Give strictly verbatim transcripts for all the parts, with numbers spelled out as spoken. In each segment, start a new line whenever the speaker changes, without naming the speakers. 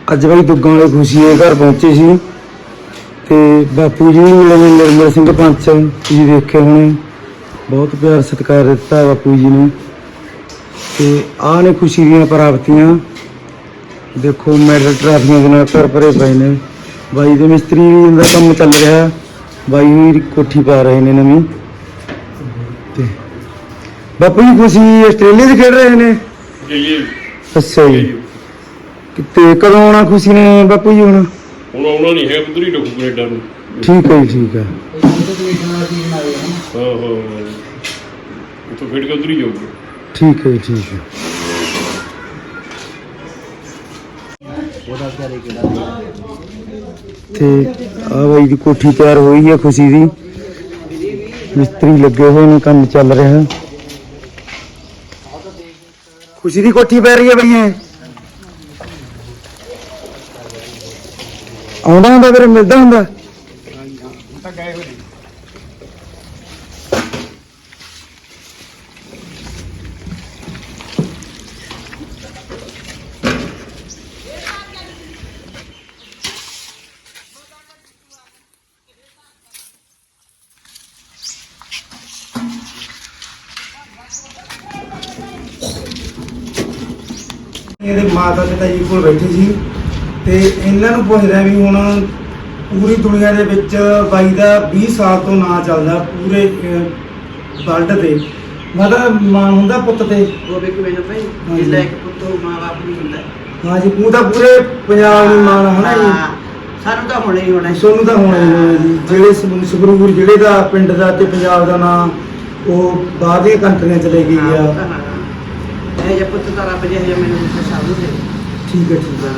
ਅੱਜ ਬਾਈ ਦੁੱਗਾਂ ਵਾਲੇ ਖੁਸ਼ੀ ਦੇ ਘਰ ਪਹੁੰਚੇ ਸੀ ਤੇ ਬਾਪੂ ਜੀ ਨੂੰ ਮਿਲੇ ਨਿਰਮਲ ਸਿੰਘ ਪੰਚ। ਤੁਸੀਂ ਦੇਖਿਆ ਹੋਣੇ, ਬਹੁਤ ਪਿਆਰ ਸਤਿਕਾਰ ਦਿੱਤਾ ਬਾਪੂ ਜੀ ਨੇ। ਤੇ ਆਹ ਨੇ ਖੁਸ਼ੀ ਦੀਆਂ ਪ੍ਰਾਪਤੀਆਂ। ਦੇਖੋ ਮੈਡਲ ਟਰਾਫੀਆਂ ਦੇ ਨਾਲ ਘਰ ਭਰੇ ਪਏ ਨੇ। ਬਾਈ ਦੇ ਮਿਸਤਰੀ ਦਾ ਕੰਮ ਚੱਲ ਰਿਹਾ, ਬਾਈ ਵੀ ਕੋਠੀ ਪਾ ਰਹੇ ਨੇ ਨਵੀਂ। ਤੇ ਬਾਪੂ ਜੀ ਖੁਸ਼ੀ ਆਸਟ੍ਰੇਲੀਆ 'ਚ ਖੇਡ ਰਹੇ ਨੇ। ਅੱਛਾ ਜੀ, ਤੇ ਕਦੋਂ ਆਉਣਾ ਖੁਸ਼ੀ ਨੇ ਬਾਪੂ ਜੀ? ਹੁਣ
ਹੁਣ ਆਉਣਾ ਨਹੀਂ ਹੈ, ਉਧਰ ਹੀ ਡੁੱਬ ਕੈਨੇਡਾ ਨੂੰ।
ਠੀਕ ਹੈ ਜੀ, ਠੀਕ ਹੈ।
ਹਾਂ ਹਾਂ, ਉੱਥੋਂ ਖੇਡ ਕੇ ਉਧਰ ਹੀ ਜਾਊਗਾ।
ਠੀਕ ਹੈ ਜੀ, ਠੀਕ ਹੈ। ਤੇ ਆ ਬਾਈ ਦੀ ਕੋਠੀ ਤਿਆਰ ਹੋਈ ਹੈ ਖੁਸ਼ੀ ਦੀ, ਮਿਸਤਰੀ ਲੱਗੇ ਹੋਏ ਨੇ, ਕੰਮ ਚੱਲ ਰਿਹਾ। ਖੁਸ਼ੀ ਦੀ ਕੋਠੀ ਪੈ ਰਹੀ ਹੈ ਬਈ। ਇਹ ਆਉਂਦਾ ਹੁੰਦਾ ਫਿਰ ਮਿਲਦਾ ਹੁੰਦਾ। ਇਹਦੇ ਮਾਤਾ ਪਿਤਾ ਜੀ ਕੋਲ ਬੈਠੇ ਸੀ ਤੇ ਇਹਨਾਂ ਨੂੰ ਪੁੱਛਦਾ ਵੀ ਹੁਣ ਪੂਰੀ ਦੁਨੀਆ ਦੇ ਵਿੱਚ ਬਾਈ ਦਾ ਵੀਹ ਸਾਲ ਤੋਂ ਨਾਂ ਚੱਲਦਾ ਪੂਰੇ ਵਰਲਡ ਤੇ। ਮਤਲਬ ਮਾਣ ਹੁੰਦਾ ਪੁੱਤ ਤੇ।
ਉਹ ਵੀ ਕਿਵੇਂ ਨਾ ਭਾਈ, ਜਿੱਦਾਂ ਇੱਕ ਪੁੱਤ ਉਹ ਮਾਂ ਬਾਪ ਨਹੀਂ ਹੁੰਦਾ।
ਹਾਂ ਜੀ, ਤੂੰ ਤਾਂ ਪੂਰੇ ਪੰਜਾਬ ਨੂੰ ਮਾਣ ਹੋਣਾ ਜੀ।
ਸਾਨੂੰ ਤਾਂ ਹੋਣਾ ਹੀ ਹੋਣਾ,
ਸੋਨੂੰ ਤਾਂ ਹੋਣਾ ਹੀ ਹੋਣਾ ਜੀ। ਜਿਹੜੇ ਸੰਗਰੂਰ ਜ਼ਿਲ੍ਹੇ ਦਾ, ਪਿੰਡ ਦਾ ਤੇ ਪੰਜਾਬ ਦਾ ਨਾਂ ਉਹ ਬਾਹਰ ਦੀਆਂ ਕੰਟਰੀਆਂ ਚਲੇ ਗਈ ਆ।
ਇਹ ਜੇ ਪੁੱਤ ਤਾਂ ਰੱਬ ਜੇ ਮੈਨੂੰ ਦਿੱਤੇ ਸਭ ਦੇ।
ਠੀਕ ਹੈ, ਠੀਕ ਹੈ।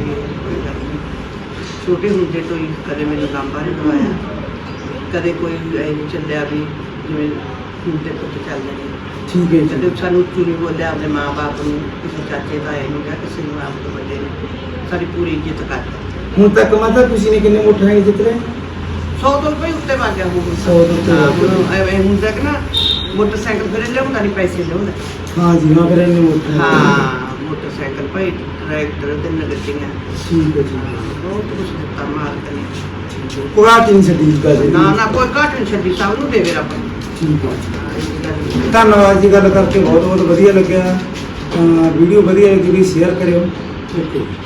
ਛੋਟੇ ਹੁੰਦੇ ਤੋਂ ਹੀ ਕਦੇ ਮੈਨੂੰ ਲਾਂਬਾ ਨਹੀਂ ਦਵਾਇਆ, ਕਦੇ ਕੋਈ ਇਹ ਨਹੀਂ ਚੱਲਿਆ ਵੀ ਜਿਵੇਂ ਹੁਣ ਤੇ ਪੁੱਤ ਚੱਲਦੇ ਨੇ।
ਠੀਕ ਹੈ ਜੀ।
ਕਦੇ ਸਾਨੂੰ ਉੱਚੀ ਨਹੀਂ ਬੋਲਿਆ ਆਪਣੇ ਮਾਂ ਬਾਪ ਨੂੰ, ਕਿਸੇ ਚਾਚੇ ਤਾਏ ਨੂੰ ਜਾਂ ਕਿਸੇ ਨੂੰ ਆਪ ਤੋਂ ਵੱਡੇ ਨੇ। ਸਾਡੀ ਪੂਰੀ ਇੱਜ਼ਤ ਕਰਦੇ।
ਹੁਣ ਤੱਕ ਮਾਤਾ ਖੁਸ਼ੀ ਨੇ ਕਿੰਨੇ ਮੋਟਰਸਾਈਕਲ ਜਿੱਤ ਲਏ?
ਸੌ ਤੋਂ ਰੁਪਏ ਉੱਤੇ ਵੱਜ ਗਿਆ ਹੁਣ।
ਸੌ ਤੋਂ ਉੱਤੇ ਵੱਜ ਗਿਆ।
ਐਵੇਂ ਹੁੰਦਾ ਕਿ ਨਾ ਮੋਟਰਸਾਈਕਲ ਫਿਰ ਲਿਆਉਂਦਾ ਨਹੀਂ, ਪੈਸੇ ਲਿਆਉਂਦਾ।
ਹਾਂ ਜੀ, ਹਾਂ ਫਿਰ ਇੰਨੇ ਮੋਟਰਸਾਈਕਲ।
ਹਾਂ, ਮੋਟਰਸਾਈਕਲ ਭਾਈ, ਟਰੈਕਟਰ ਤੇ ਨਗਦੀਆਂ।
ਠੀਕ ਹੈ ਜੀ।
ਬਹੁਤ ਕੁਛ ਦਿੱਤਾ ਮਾਲਕ ਨੇ।
ਕੋਈ ਘਾਟ ਨਹੀਂ ਛੱਡੀ ਗੱਲ।
ਨਾ ਨਾ ਕੋਈ ਘਾਟ ਨਹੀਂ ਛੱਡੀ, ਸਭ ਨੂੰ ਦੇਵੇ ਰੱਬ।
ਠੀਕ ਹੈ, ਧੰਨਵਾਦ ਜੀ। ਗੱਲ ਕਰਕੇ ਬਹੁਤ ਬਹੁਤ ਵਧੀਆ ਲੱਗਿਆ। ਵੀਡੀਓ ਵਧੀਆ ਲੱਗੀ ਵੀ ਸ਼ੇਅਰ ਕਰਿਓ। ਓਕੇ।